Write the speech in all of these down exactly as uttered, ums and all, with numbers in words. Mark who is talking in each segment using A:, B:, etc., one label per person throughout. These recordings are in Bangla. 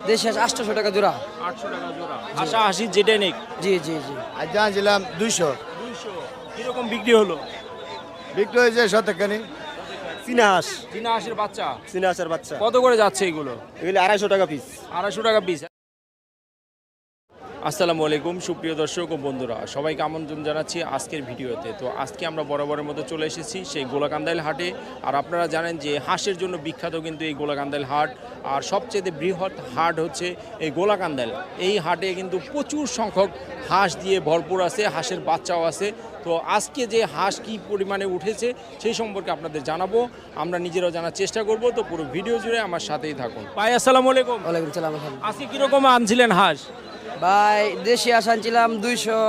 A: দেশি হাঁস আটশোশো টাকা জোড়া।
B: আটশো টাকা জোড়া। হাসা হাসি যেটাই নেক।
A: জি জি জি।
C: আজ জানছিলাম দুইশো।
B: দুইশো। কিরকম বিক্রি হলো?
C: বিক্রি হয়েছে শতখানি। চীনা হাঁস।
B: চীনা হাঁসের বাচ্চা।
C: চীনা হাঁসের বাচ্চা
B: কত করে যাচ্ছে এগুলো?
C: এগুলি আড়াইশো টাকা পিস।
B: আড়াইশো টাকা পিস। আসসালামু আলাইকুম সুপ্রিয় দর্শক ও বন্ধুরা, সবাইকে আমন্ত্রণ জানাচ্ছি আজকের ভিডিওতে। তো আজকে আমরা বরাবরের মতো চলে এসেছি সেই গোলাকান্দাইল হাটে। আর আপনারা জানেন যে হাঁসের জন্য বিখ্যাত কিন্তু এই গোলাকান্দাইল হাট। আর সবচেয়ে বৃহৎ হাট হচ্ছে এই গোলাকান্দাইল। এই হাটে কিন্তু প্রচুর সংখ্যক হাঁস দিয়ে ভরপুর আছে, হাঁসের বাচ্চাও আছে। তো আজকে যে হাঁস কী পরিমাণে উঠেছে সেই সম্পর্কে আপনাদের জানাবো, আমরা নিজেরাও জানার চেষ্টা করব। তো পুরো ভিডিও জুড়ে আমার সাথেই থাকুন। ভাই আসসালামু আলাইকুম।
A: ওয়ালাইকুম সালাম।
B: আজকে কীরকম আনছিলেন হাঁস?
A: ভাই দেশি হাঁস আনছিলাম দুইশো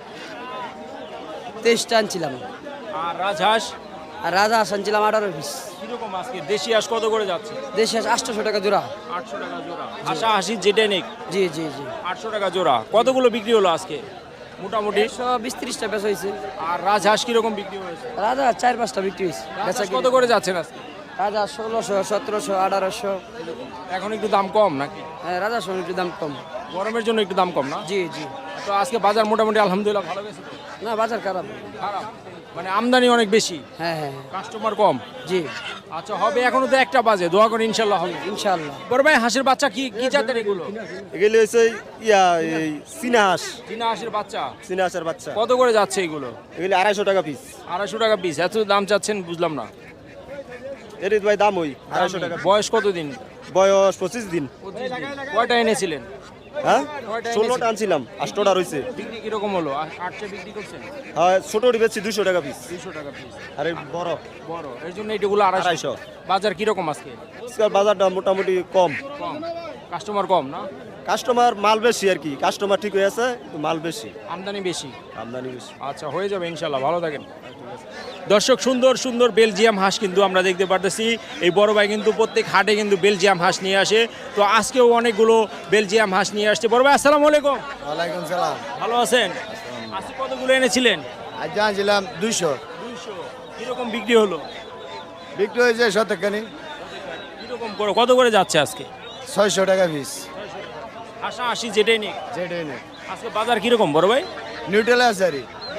A: তেইশটা আনছিলাম।
B: আর রাজহাঁস?
A: আর রাজা হাঁস আনছিলাম আঠারো পিস।
B: কিরকম আজকে দেশি হাঁস কত করে যাচ্ছে?
A: দেশি হাঁস আটশোশো টাকা জোড়া।
B: আটশো টাকা জোড়া। হাসা হাসি যেটাই নেক।
A: জি জি জি।
B: আটশো টাকা জোড়া। কতগুলো বিক্রি হলো আজকে মোটামুটি?
A: একশো বিশ ত্রিশটা বেচা হয়েছে।
B: আর রাজহাঁস কিরকম বিক্রি হয়েছে?
A: রাজা হাঁস চার পাঁচটা বিক্রি হয়েছে।
B: রাজহাঁস কত করে যাচ্ছেন আজকে?
A: রাজা ষোলোশো সতেরোশো আঠারোশো।
B: এখন একটু দাম কম নাকি?
A: হ্যাঁ রাজা সোন একটু দাম কম।
B: গরমের জন্য একটু দাম কম না?
A: জি জি।
B: তো আজকে বাজার মোটামুটি আলহামদুলিল্লাহ ভালো গেছে তো?
A: না বাজার খারাপ।
B: খারাপ মানে আমদানি অনেক বেশি,
A: হ্যাঁ হ্যাঁ
B: কাস্টমার কম।
A: জি।
B: আচ্ছা হবে, এখনো তো একটা বাজে, দোয়া করে ইনশাল্লাহ হবে।
A: ইনশাআল্লাহ।
B: বড় ভাই হাঁসের বাচ্চা কি কি জাতের এগুলো?
C: এগুলি হচ্ছে ইয়া এই চীনা হাঁস।
B: চীনা হাঁসের বাচ্চা।
C: চীনা হাঁসের বাচ্চা
B: কত করে যাচ্ছে এগুলো?
C: এগুলি আড়াইশো টাকা পিস।
B: আড়াইশো টাকা পিস। এত দাম চাচ্ছেন বুঝলাম না।
C: এর ভাই দাম ওই আড়াইশো টাকা।
B: বয়স কতদিন?
C: বয়স পঁচিশ দিন।
B: কয়টা এনেছিলেন?
C: হ্যাঁ
B: কয়টা
C: ষোলোটা আনছিলাম, আটটা রয়েছে।
B: বিক্রি কিরকম হলো? আটটা বিক্রি করছেন?
C: হ্যাঁ ছোটোটি বেচছি দুইশো টাকা পিস।
B: দুইশো টাকা পিস।
C: আরে বড়
B: বড় এর জন্য এইগুলো আড়াইশো।
C: আড়াইশো।
B: বাজার কিরকম আজকে?
C: আজকাল বাজারটা মোটামুটি কম।
B: কম। কাস্টমার কম না?
C: কাস্টমার মাল বেশি আর কি, কাস্টমার ঠিক হয়ে আছে, কিন্তু মাল বেশি,
B: আমদানি বেশি।
C: আমদানি বেশি।
B: আচ্ছা হয়ে যাবে ইনশাল্লাহ, ভালো থাকেন। দর্শক সুন্দর সুন্দর বেলজিয়াম হাঁস কিন্তু আমরা দেখতে পারতেছি। এই বড় ভাই কিন্তু প্রত্যেক হাটে কিন্তু বেলজিয়াম হাঁস নিয়ে আসে। তো আজকেও অনেকগুলো বেলজিয়াম হাঁস নিয়ে আসছে। বড় ভাই আসসালামু আলাইকুম।
C: ওয়ালাইকুম সালাম।
B: ভালো আছেন? আজকে কতগুলো এনেছিলেন?
C: আজ জানছিলাম দুইশো।
B: দুইশো। কিরকম বিক্রি হলো?
C: বিক্রি হয়েছে শতখানি।
B: কিরকম করে কত করে যাচ্ছে আজকে?
C: ছয়শো টাকা পিস।
B: হাসা হাসি যেটাই নেই।
C: যেটাই নেই।
B: আজকে বাজার কিরকম বড় ভাই?
C: নিউট্রাল আছে আর কি।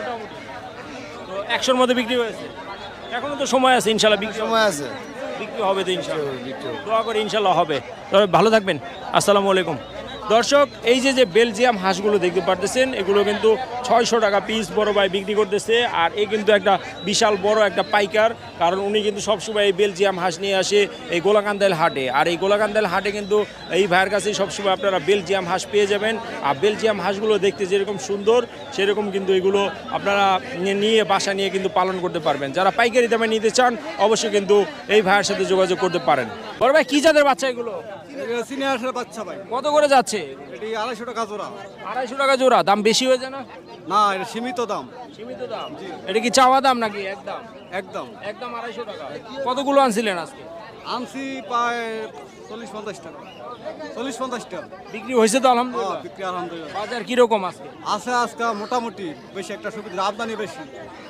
B: তো একশোর মধ্যে বিক্রি হয়েছে? এখনো তো সময় আছে, ইনশাল্লাহ বিক্রি
C: সময় আছে।
B: বিক্রি হবে তো ইনশাল্লাহ। দোয়া করে ইনশাল্লাহ হবে। তবে ভালো থাকবেন। আসসালামু আলাইকুম। দর্শক এই যে যে বেলজিয়াম হাঁসগুলো দেখতে পারতেছেন, এগুলো কিন্তু ছয়শো টাকা পিস বড় ভাই বিক্রি করতেছে। আর এই কিন্তু একটা বিশাল বড় একটা পাইকার, কারণ উনি কিন্তু সবসময় এই বেলজিয়াম হাঁস নিয়ে আসে এই গোলাকান্দাইল হাটে। আর এই গোলাকান্দাইল হাটে কিন্তু এই ভাইয়ের কাছেই সবসময় আপনারা বেলজিয়াম হাঁস পেয়ে যাবেন। আর বেলজিয়াম হাঁসগুলো দেখতে যেরকম সুন্দর, সেরকম কিন্তু এগুলো আপনারা নিয়ে বাসা নিয়ে কিন্তু পালন করতে পারবেন। যারা পাইকারি দামে নিতে চান অবশ্যই কিন্তু এই ভাইয়ের সাথে যোগাযোগ করতে পারেন। বড় ভাই কি জাতের বাচ্চা এগুলো?
D: চীনা হাঁসের বাচ্চা ভাই।
B: কত করে যাচ্ছে?
D: এটি আড়াইশো টাকা জোড়া।
B: আড়াইশো টাকা জোড়া। দাম বেশি হয়ে যায় না?
D: না, এটা সীমিত দাম।
B: সীমিত দাম। এটা কি চাওয়া দাম নাকি একদম?
D: একদম
B: একদম আড়াইশো টাকা। কতগুলো আনছিলেন আজকে?
D: আনছি প্রায় চল্লিশ পঞ্চাশ টাকা। চল্লিশ পঞ্চাশ টাকা
B: বিক্রি হয়েছে তো
D: হ্যাঁ,
B: আলহামদুলিল্লাহ।
D: বিক্রি আলহামদুলিল্লাহ।
B: বাজার কিরকম আজকে?
D: আছে আজকে মোটামুটি বেশি একটা সুবিধা, আমদানি বেশি।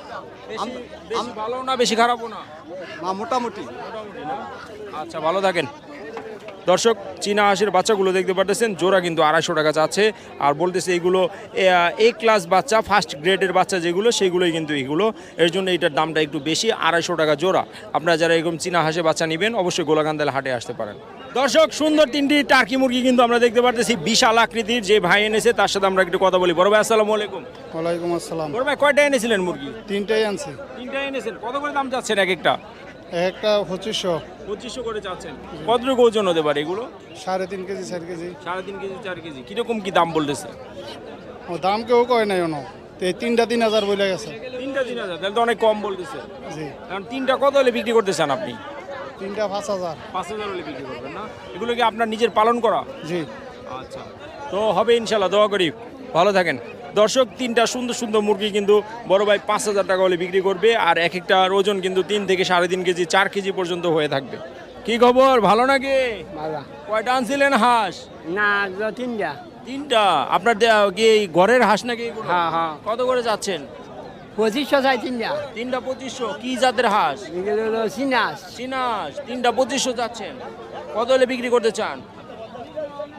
B: বেশি বেশি ভালো না বেশি খারাপও না?
D: না মোটামুটি।
B: মোটামুটি না? আচ্ছা ভালো থাকেন। দর্শক চীনা হাঁসের বাচ্চাগুলো দেখতে পারতেছেন, জোড়া কিন্তু আড়াইশো টাকা যাচ্ছে। আর বলতেছে এইগুলো এ ক্লাস বাচ্চা, ফার্স্ট গ্রেডের বাচ্চা যেগুলো, সেইগুলোই কিন্তু এইগুলো। এর জন্য এইটার দামটা একটু বেশি, আড়াইশো টাকা জোড়া। আপনারা যারা এরকম চীনা হাঁসের বাচ্চা নেবেন অবশ্যই গোলাকান্দাইল হাটে আসতে পারেন। দর্শক সুন্দর তিনটি টার্কি মুরগি কিন্তু আমরা দেখতে পারতেছি, বিশাল আকৃতির। যে ভাই এনেছে তার সাথে আমরা একটু কথা বলি। বড় ভাই আসসালামু আলাইকুম।
E: ওয়ালাইকুম আসসালাম।
B: বড় ভাই কয়টা এনেছিলেন মুরগি?
E: তিনটাই আনছি।
B: তিনটা এনেছেন। কত করে দাম চাচ্ছেন এক একটা?
E: একটা পঁচিশশো।
B: পঁচিশশো করে চাচ্ছেন। কতটুকু ওজন হতে পারে এগুলো?
E: সাড়ে তিন কেজি চার কেজি।
B: সাড়ে তিন কেজি চার কেজি। কিরকম কি দাম বলতেছে?
E: ও দাম কেউ কয় নাই অন, তো এই তিনটা তিন হাজার বলে গেছে।
B: তিনটা তিন হাজার, তাহলে তো অনেক কম বলতেছে।
E: জি।
B: কারণ তিনটা কত হলে বিক্রি করতে চান আপনি?
E: তিনটা পাঁচ হাজার।
B: পাঁচ হাজার হলে বিক্রি করবেন না? এগুলো কি আপনার নিজের পালন করা?
E: জি।
B: আচ্ছা তো হবে ইনশাল্লাহ, দোয়া করি। ভালো থাকেন। দর্শক তিনটা সুন্দর সুন্দর মুরগি কিন্তু বড় ভাই পাঁচ হাজার টাকা হলে বিক্রি করবে। আর এক একটার ওজন কিন্তু তিন থেকে সাড়ে তিন কেজি চার কেজি পর্যন্ত হয়ে থাকবে। কি খবর, ভালো নাকি? কয়টা আনছিলেন হাঁস?
A: না তিনটা।
B: তিনটা। আপনার দে- কি এই ঘরের হাঁস নাকি এগুলো?
A: হ্যাঁ হ্যাঁ।
B: কত করে যাচ্ছেন?
A: পঁচিশশো চাই তিনটা।
B: তিনটা পঁচিশশো। কি জাতের হাঁস?
A: এগুলো হলো চীনা হাঁস।
B: চীনা হাঁস। তিনটা পঁচিশশো যাচ্ছেন। কত হলে বিক্রি করতে চান?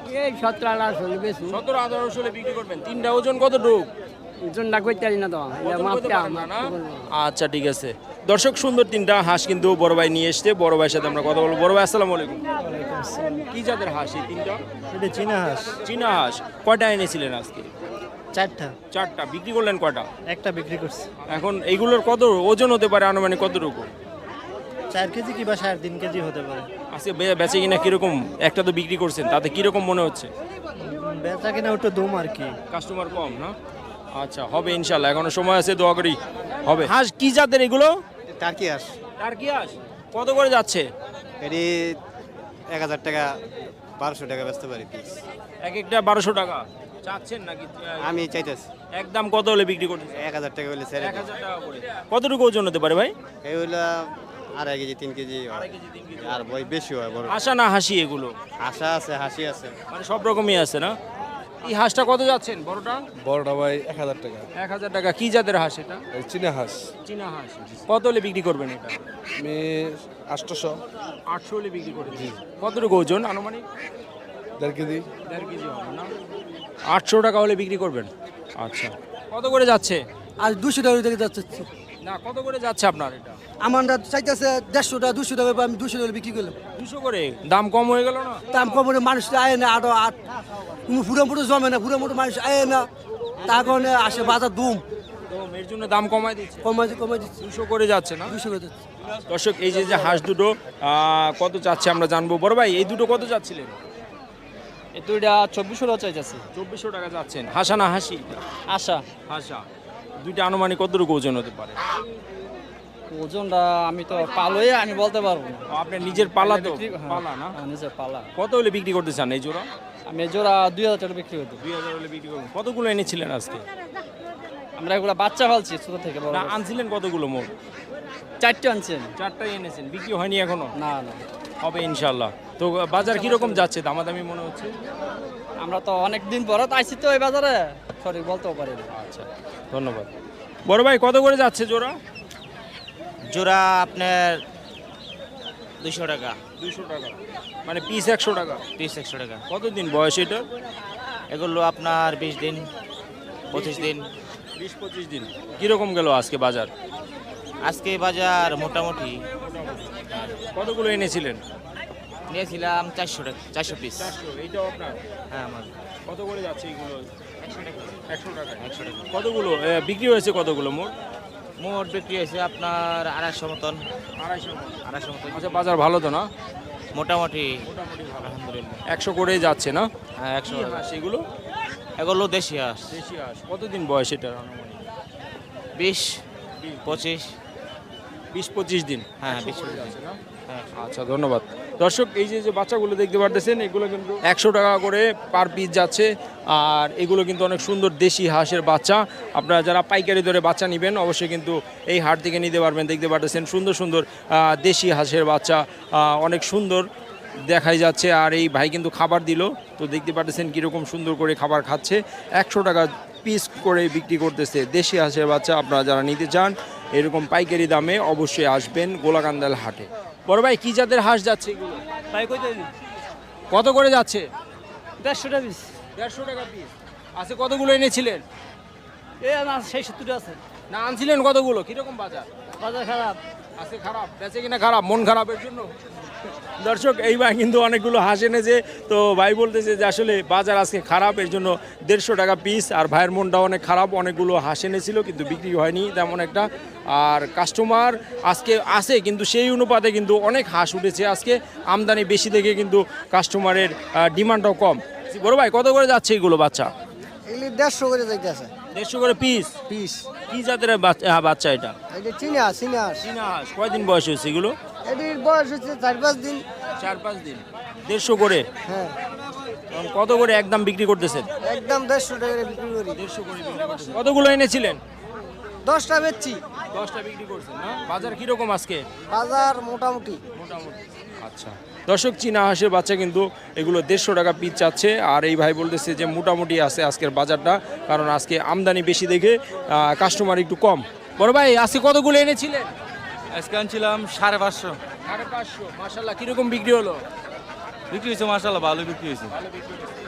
A: এই সতেরো আঠারোশো বেশি
B: সতেরো আঠারোশো হলে বিক্রি করবেন। তিনটা ওজন কতটুক?
A: জনটা করতে পারি না তো
B: ওজন করতে
A: মাপটা
B: পারেন না, না? আচ্ছা ঠিক আছে। দর্শক সুন্দর তিনটা হাঁস কিন্তু বড় ভাই নিয়ে এসছে। বড় ভাইয়ের সাথে আমরা কথা বলবো। বড় ভাই আসসালামু আলাইকুম। কি জাতের হাঁস এই তিনটা?
C: এটা চীনা হাঁস
B: চীনা হাঁস। কয়টা এনেছিলেন আজকে?
C: চারটা
B: চারটা। বিক্রি করলেন কয়টা?
C: একটা বিক্রি করছি
B: এখন এইগুলোর কত ওজন হতে পারে আনুমানিক কতটুকু?
C: চার কেজি কি বা সাড়ে তিন কেজি হতে পারে।
B: আজকে বে- বেচে কিনা কিরকম? একটা তো বিক্রি করছেন, তাতে কিরকম মনে হচ্ছে?
C: বেচা কিনা ওটা দম আর কি।
B: কাস্টমার কম না? আচ্ছা হবে ইনশাল্লাহ, এখনো সময় আছে, দোয়া করি হবে। হাঁস কি জাতের এগুলো?
C: টার্কি হাঁস
B: টার্কি হাঁস। কত করে যাচ্ছে?
C: এটি এক হাজার টাকা বারোশো টাকা বেচতে পারি পিস।
B: এক একটা বারোশো টাকা চাচ্ছেন নাকি?
C: আমি চাইতেছি
B: একদম কত হলে বিক্রি করতেছে?
C: এক হাজার টাকা হলে স্যার
B: এক হাজার টাকা করে। কতটুকু ওজন হতে পারে ভাই?
C: এই হইলো আড়াই কেজি তিন কেজি হয়।
B: আড়াই কেজি, তিন কেজি।
C: আর বই বেশি হয় বড়।
B: হাসা না হাসি এগুলো?
C: আশা আছে হাসি আছে।
B: মানে সব রকমই আছে না? এই হাঁসটা কত যাচ্ছেন বড়টা?
F: বড়টা ভাই এক হাজার টাকা।
B: এক হাজার টাকা। কি জাতের হাঁস এটা?
F: এই চীনা হাঁস
B: চীনা হাঁস। কত হলে বিক্রি করবেন এটা?
F: আমি আটশোশো
B: আটশো হলে বিক্রি করে দিই। কতটুকু ওজন আনুমানিক?
F: দেড় কেজি।
B: দেড় কেজি হবে না? আটশো টাকা হলে বিক্রি করবেন। আচ্ছা কত করে যাচ্ছে?
G: আর দুশো টাকা থেকে যাচ্ছে
B: না কত করে যাচ্ছে আপনার এটা?
G: আমার চাইতেছে দেড়শো টাকা দুশো টাকা আমি দুশো টাকা বিক্রি করলাম
B: দুশো করে। দাম কম হয়ে গেল না?
G: দাম কমে মানুষ আয় না আরো আট পুরো মোটো জমে না পুরো মোটো মানুষ আয় না তার কারণে আসে বাজার দুম
B: তো এর জন্য দাম কমায় দিচ্ছে।
G: কমাই কমাই দিচ্ছে
B: দুশো করে যাচ্ছে না?
G: দুশো করে যাচ্ছে
B: দর্শক এই যে যে হাঁস দুটো আহ, কত চাচ্ছে আমরা জানবো। বড় ভাই এই দুটো কত চাচ্ছিলেন?
A: এই দুইটা চব্বিশশো টাকা চাইতেছে।
B: চব্বিশশো টাকা যাচ্ছেন। হাসা না হাসি?
A: আশা
B: হাসা। দুইটা আনুমানিক কতটুকু ওজন হতে পারে?
A: ওজনটা আমি তো পালোই আমি বলতে পারবো না।
B: ও, আপনার নিজের পালা তো?
A: বিক্রি- হ্যাঁ,
B: পালা না?
A: হ্যাঁ, নিজের পালা।
B: কত হলে বিক্রি করতে চান এই জোড়া?
A: আমি এই জোড়া দুই হাজার টাকা বিক্রি করতে।
B: দুই হাজার হলে বিক্রি করবেন। কতগুলো এনেছিলেন আজকে?
A: আমরা এগুলো বাচ্চা ফালছি ছোট থেকে বড়
B: না
A: করছি।
B: আনছিলেন কতগুলো মোট?
A: চারটে আনছেন?
B: চারটাই এনেছেন। বিক্রি হয়নি এখনো?
A: না না
B: হবে ইনশাল্লাহ। তো বাজার কিরকম যাচ্ছে? দামাদামি মনে হচ্ছে?
A: আমরা তো অনেক দিন পরে তো আইছি তো এই বাজারে সঠিক বলতেও পারি না।
B: আচ্ছা ধন্যবাদ। বড় ভাই কত করে যাচ্ছে জোড়া?
H: জোড়া আপনার দুশো টাকা
B: দুইশো টাকা। মানে পিস একশো টাকা।
H: পিস একশো টাকা।
B: কতদিন বয়স এটা?
H: এগুলো আপনার বিশ দিন পঁচিশ দিন।
B: বিশ পঁচিশ দিন। কিরকম গেল আজকে বাজার?
H: আজকে বাজার মোটামুটি
B: কতগুলো এনেছিলেন?
H: নিয়েছিলাম চারশো টাকা চারশো পিস।
B: চারশো। এইটাও আপনার?
H: হ্যাঁ আমার
B: কত করে যাচ্ছে এগুলো?
H: একশো টাকা
B: একশো টাকা।
H: একশো টাকা
B: কতগুলো এ, বিক্রি হয়েছে কতগুলো মোট?
H: মোট বিক্রি হয়েছে আপনার আড়াইশো মতন
B: আড়াইশো।
H: আড়াইশো মতন
B: আচ্ছা বাজার ভালো তো না?
H: মোটামুটি আলহামদুলিল্লাহ।
B: একশো করে যাচ্ছে না?
H: হ্যাঁ একশো
B: কি
H: টাকা।
B: হাঁস এগুলো?
H: এগুলো দেশি হাঁস।
B: দেশি হাঁস। কতদিন বয়স এটার আনুমানিক?
H: বিশ পঁচিশ।
B: বিশ পঁচিশ দিন।
H: হ্যাঁ
B: একশো
H: বিশ
B: করে
H: পঁচিশ।
B: যাচ্ছে না?
H: হ্যাঁ
B: আচ্ছা ধন্যবাদ। দর্শক এই যে যে বাচ্চাগুলো দেখতে পারতেছেন এগুলো কিন্তু একশো টাকা করে পার পিস যাচ্ছে। আর এগুলো কিন্তু অনেক সুন্দর দেশি হাঁসের বাচ্চা। আপনারা যারা পাইকারি দরে বাচ্চা নেবেন অবশ্যই কিন্তু এই হাট থেকে নিতে পারবেন। দেখতে পারতেছেন সুন্দর সুন্দর আহ, দেশি হাঁসের বাচ্চা আহ, অনেক সুন্দর দেখাই যাচ্ছে। আর এই ভাই কিন্তু খাবার দিল, তো দেখতে পারতেছেন কীরকম সুন্দর করে খাবার খাচ্ছে। একশো টাকা পিস করে বিক্রি করতেছে দেশি হাঁসের বাচ্চা। আপনারা যারা নিতে চান এরকম পাইকারি দামে অবশ্যই আসবেন গোলাকান্দাল হাটে। বড় ভাই কি জাতের হাঁস যাচ্ছে এগুলো?
A: তাই কইতে
B: কত করে যাচ্ছে?
A: দেড়শো টাকা পিস।
B: দেড়শো টাকা পিস। আজকে কতগুলো এনেছিলেন?
A: এ না সেই সত্তর আছে।
B: না আনছিলেন কতগুলো? কিরকম বাজার?
A: বাজার খারাপ।
B: আজকে খারাপ বেচে কিনা খারাপ, মন খারাপের জন্য। দর্শক এই ভাই কিন্তু অনেকগুলো হাঁস এনেছে, তো ভাই বলতেছে যে আসলে বাজার আজকে খারাপ, এর জন্য দেড়শো টাকা পিস। আর ভাইয়ের মনটা অনেক খারাপ, অনেকগুলো হাঁস এনেছিল কিন্তু বিক্রি হয়নি তেমন একটা। আর কাস্টমার আজকে আসে কিন্তু সেই অনুপাতে কিন্তু অনেক হাঁস উঠেছে আজকে। আমদানি বেশি দেখে কিন্তু কাস্টমারের ডিমান্ডটাও কম। বড় ভাই কত করে যাচ্ছে এগুলো বাচ্চা?
G: এগুলি দেড়শো করে যাইতেছে
B: দেড়শো করে পিস।
G: পিস
B: কি জাতের বাচ্চা হ্যাঁ, বাচ্চা এটা?
G: এটা চিনা চিনা
B: চীনা হাঁস। কয়দিন বয়স হয়েছে এগুলো?
G: এটির বয়স হচ্ছে চার পাঁচ দিন।
B: চার পাঁচ দিন। দেড়শো করে।
G: হ্যাঁ
B: এখন কত করে একদম বিক্রি করতেছেন?
G: একদম দেড়শো টাকা করে বিক্রি করি।
B: দেড়শো করে বিক্রি করতেছেন। কতগুলো এনেছিলেন?
G: দশটা বেচছি।
B: দশটা বিক্রি করছেন না? বাজার কিরকম আজকে?
G: বাজার মোটামুটি
B: মোটামুটি। আচ্ছা দর্শক চীনা হাঁসের বাচ্চা কিন্তু এগুলো দেড়শো টাকা পিস চাচ্ছে। আর এই ভাই বলতেছে যে মোটামুটি আছে আজকের বাজারটা, কারণ আজকে আমদানি বেশি দেখে কাস্টমার একটু কম। বড় ভাই আজকে কতগুলো এনেছিলেন?
D: আজকে আনছিলাম সাড়ে পাঁচশো।
B: সাড়ে পাঁচশো। মাশাল্লাহ কিরকম বিক্রি হলো?
D: বিক্রি হয়েছে মাসাল্লাহ ভালো বিক্রি হয়েছে।
B: ভালো বিক্রি হয়েছে।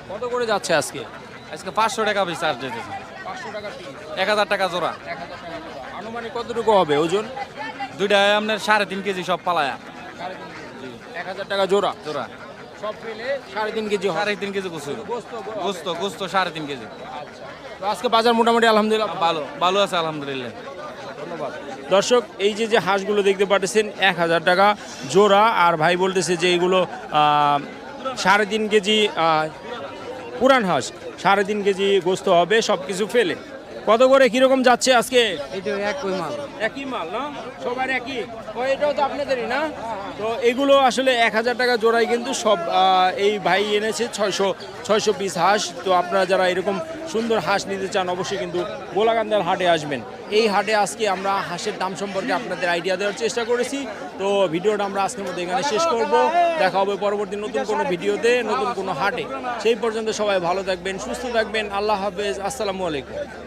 B: কত করে যাচ্ছে আজকে?
D: আজকে পাঁচশো টাকা পিস চার্জ দিতেছে,
B: পাঁচশো টাকা পিস,
D: এক হাজার টাকা জোড়া।
B: এক হাজার টাকা জোড়া। আনুমানিক কতটুকু হবে ওজন?
D: দুইটায় আপনার সাড়ে তিন কেজি সব পালায়া
B: এক হাজার টাকা জোড়া,
D: জোড়া,
B: সব মিলে সাড়ে তিন কেজি হবে।
D: সাড়ে তিন কেজি গোস্ত,
B: গোস্ত
D: গোস্ত গোস্ত সাড়ে তিন কেজি।
B: তো আজকে বাজার মোটামুটি আলহামদুলিল্লাহ
D: ভালো ভালো আছে আলহামদুলিল্লাহ।
B: ধন্যবাদ। দর্শক এই যে যে হাঁসগুলো দেখতে পাচ্ছেন এক হাজার টাকা জোড়া, আর ভাই বলতেছে যে এইগুলো আহ, সাড়ে তিন কেজি আহ, পুরান হাঁস, সাড়ে তিন কেজি গোস্ত হবে সব কিছু ফেলে। কত করে কিরকম যাচ্ছে আজকে?
G: এটা এক কই মাল
B: একই মাল না, সবার একই। ও এটাও তো আপনাদেরই না? তো এগুলো আসলে এক হাজার টাকা জোড়ায় কিন্তু সব আহ, এই ভাই এনেছে ছয়শো ছয়শো পিস হাঁস। তো আপনারা যারা এরকম সুন্দর হাঁস নিতে চান অবশ্যই কিন্তু গোলাকান্দার হাটে আসবেন। এই হাটে আজকে আমরা হাঁসের দাম সম্পর্কে আপনাদের আইডিয়া দেওয়ার চেষ্টা করেছি। তো ভিডিওটা আমরা আজকের মধ্যে এখানে শেষ করব। দেখা হবে পরবর্তী নতুন কোনো ভিডিওতে, নতুন কোনো হাটে। সেই পর্যন্ত সবাই ভালো থাকবেন, সুস্থ থাকবেন। আল্লাহ হাফেজ, আসসালামু আলাইকুম।